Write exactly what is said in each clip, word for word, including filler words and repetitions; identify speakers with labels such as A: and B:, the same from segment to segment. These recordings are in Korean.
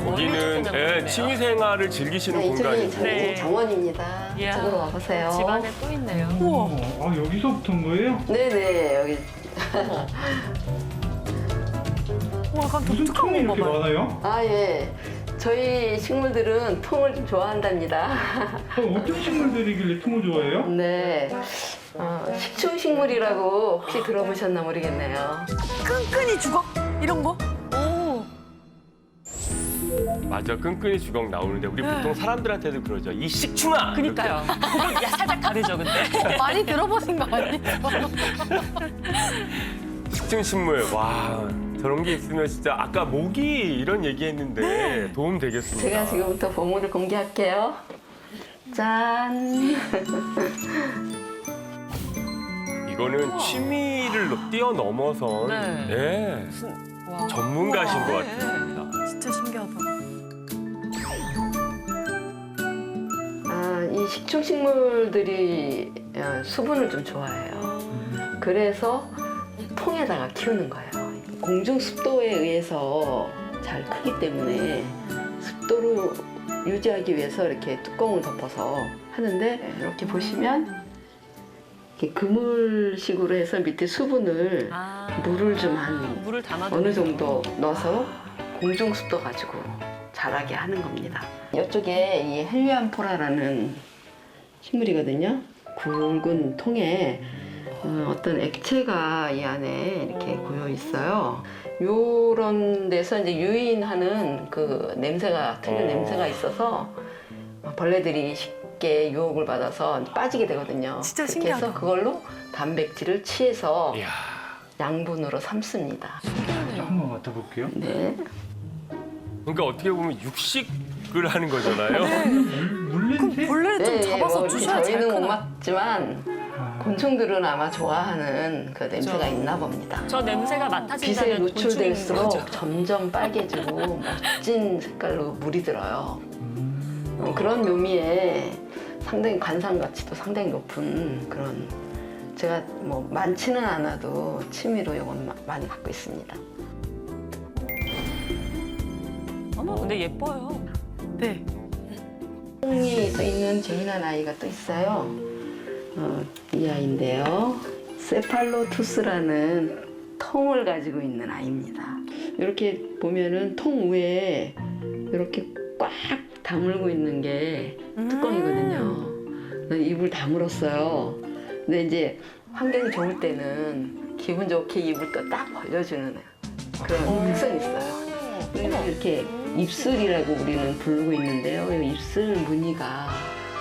A: 여기는 예, 취미 생활을 즐기시는
B: 네, 이쪽이
A: 공간이고.
B: 저희
C: 네.
B: 정원입니다.
C: 이야,
B: 이쪽으로 와보세요.
C: 집 안에 또 있네요.
D: 우와. 아, 여기서부터인 거예요?
B: 네네, 여기.
C: 와, 약간
D: 무슨
C: 독특한
D: 통이 이렇게
C: 건가 봐요.
D: 많아요?
B: 아, 예. 저희 식물들은 통을 좀 좋아한답니다.
D: 어, 어떤 식물들이길래 통을 좋아해요?
B: 네. 어, 식충식물이라고 혹시 들어보셨나 모르겠네요.
C: 끈끈이 주걱 이런 거? 오.
A: 맞아, 끈끈이 주걱 나오는데 우리
C: 네.
A: 보통 사람들한테도 그러죠. 이 식충아.
C: 그니까요. 그건 야, 살짝 다르죠, 근데. 많이 들어보신 거 아니에요?
A: 식충식물. 와, 저런 게 있으면 진짜 아까 모기 이런 얘기했는데
C: 네.
A: 도움 되겠습니다.
B: 제가 지금부터 보물을 공개할게요. 짠.
A: 이거는 취미를 뛰어넘어선
C: 네.
A: 예,
C: 와.
A: 전문가신 것
C: 우와,
A: 같습니다.
C: 진짜 신기하다.
B: 아, 이 식충식물들이 어, 수분을 좀 좋아해요. 그래서 통에다가 키우는 거예요. 공중 습도에 의해서 잘 크기 때문에 습도를 유지하기 위해서 이렇게 뚜껑을 덮어서 하는데 이렇게 보시면 이렇게 그물식으로 해서 밑에 수분을
C: 아,
B: 물을 좀 한
C: 물을 담아
B: 어느 정도 넣어서 공중 습도 가지고 자라게 하는 겁니다. 이쪽에 이 헬리안포라라는 식물이거든요. 굵은 통에 어, 어떤 액체가 이 안에 이렇게 고여 있어요. 요런 데서 이제 유인하는 그 냄새가 특유
A: 어.
B: 냄새가 있어서 벌레들이 쉽게 유혹을 받아서 빠지게 되거든요.
C: 진짜
B: 그렇게
C: 신기하다.
B: 해서 그걸로 단백질을 취해서
A: 이야,
B: 양분으로 삼습니다.
D: 한번 맡아볼게요.
B: 네.
A: 그러니까 어떻게 보면 육식을 하는 거잖아요.
D: 물, 물 냄새?
C: 벌레를 좀 잡아서
B: 뭐 이렇게
C: 주셔야 잘
B: 저희는 못
C: 크나.
B: 맡지만
D: 아,
B: 곤충들은 아마 좋아하는 그 냄새가 있나 봅니다.
C: 저 냄새가
B: 빛에
C: 맡아진다면
B: 노출될수록
C: 곤충인 거죠.
B: 점점 빨개지고 멋진 색깔로 물이 들어요.
D: 음.
B: 어, 그런 묘미에 상당히 관상 가치도 상당히 높은 그런 제가 뭐 많지는 않아도 취미로 이건 마- 많이 갖고 있습니다.
C: 어머, 근데 예뻐요. 네.
B: 통이 또 있는 재미난 아이가 또 있어요. 어, 이 아이인데요. 세팔로투스라는 통을 가지고 있는 아이입니다. 이렇게 보면은 통 위에 이렇게 꽉 다물고 있는 게 뚜껑이거든요. 입을 다물었어요. 근데 이제 환경이 좋을 때는 기분 좋게 입을 또 딱 벌려주는 그런 특성이 있어요. 그리고 이렇게 입술이라고 우리는 부르고 있는데요. 이 입술 무늬가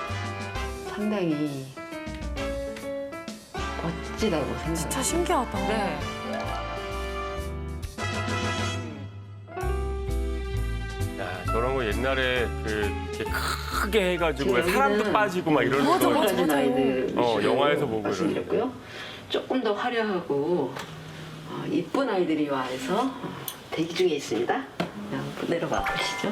B: 상당히 멋지다고 생각해요.
C: 진짜 신기하다. 네.
A: 야, 저런 거 옛날에 그 이렇게 크게 해가지고 왜
B: 지금
A: 사람도
B: 여기는
A: 빠지고 막 이러는
C: 맞아,
A: 거.
C: 맞아.
B: 가진 아이들
A: 어,
B: 위주로
A: 영화에서 보고
B: 말씀드렸고요. 조금 더 화려하고 어, 이쁜 아이들이 이 안에서 대기 중에 있습니다. 한번 내려가 보시죠.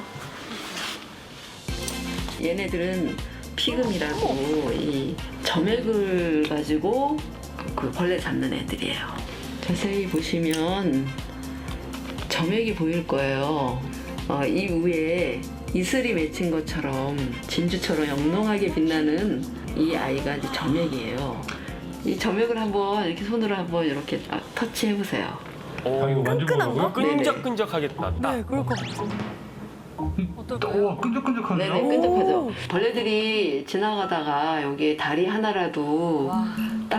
B: 얘네들은 피금이라고 이 점액을 가지고 그 벌레 잡는 애들이에요. 자세히 보시면 점액이 보일 거예요. 어, 이 위에 이슬이 맺힌 것처럼 진주처럼 영롱하게 빛나는 이 아이가 이제 점액이에요. 이 점액을 한번 이렇게 손으로 한번 이렇게 딱 터치해 보세요.
D: 아, 이거 만져보라고요?
A: 끈적끈적하겠다. 딱.
C: 네, 그럴 것 같아. 어떨까요?
D: 우와, 끈적끈적하네요.
B: 네네, 끈적하죠. 벌레들이 지나가다가 여기에 다리 하나라도
C: 와.
B: 딱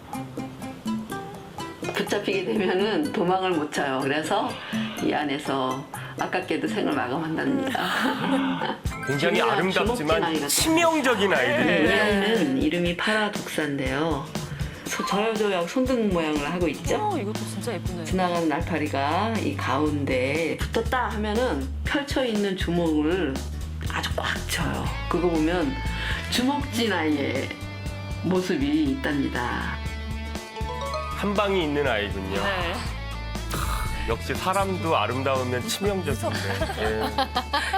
B: 붙잡히게 되면은 도망을 못 쳐요. 그래서 이 안에서 아깝게도 생을 마감한답니다.
A: 굉장히
B: 주먹진
A: 아름답지만
B: 아이가
A: 치명적인
B: 네, 이
A: 아이들이에요.
B: 아이는 이름이 파라독사인데요. 소- 저요저요 손등 모양을 하고 있죠.
C: 어, 이것도 진짜 예쁘네.
B: 지나가는 날파리가 이 가운데 붙었다 하면은 펼쳐 있는 주먹을 아주 꽉 쳐요. 그거 보면 주먹진 아이의 모습이 있답니다.
A: 한 방이 있는 아이군요.
C: 네.
A: 역시 사람도 아름다우면 치명적인데. 예.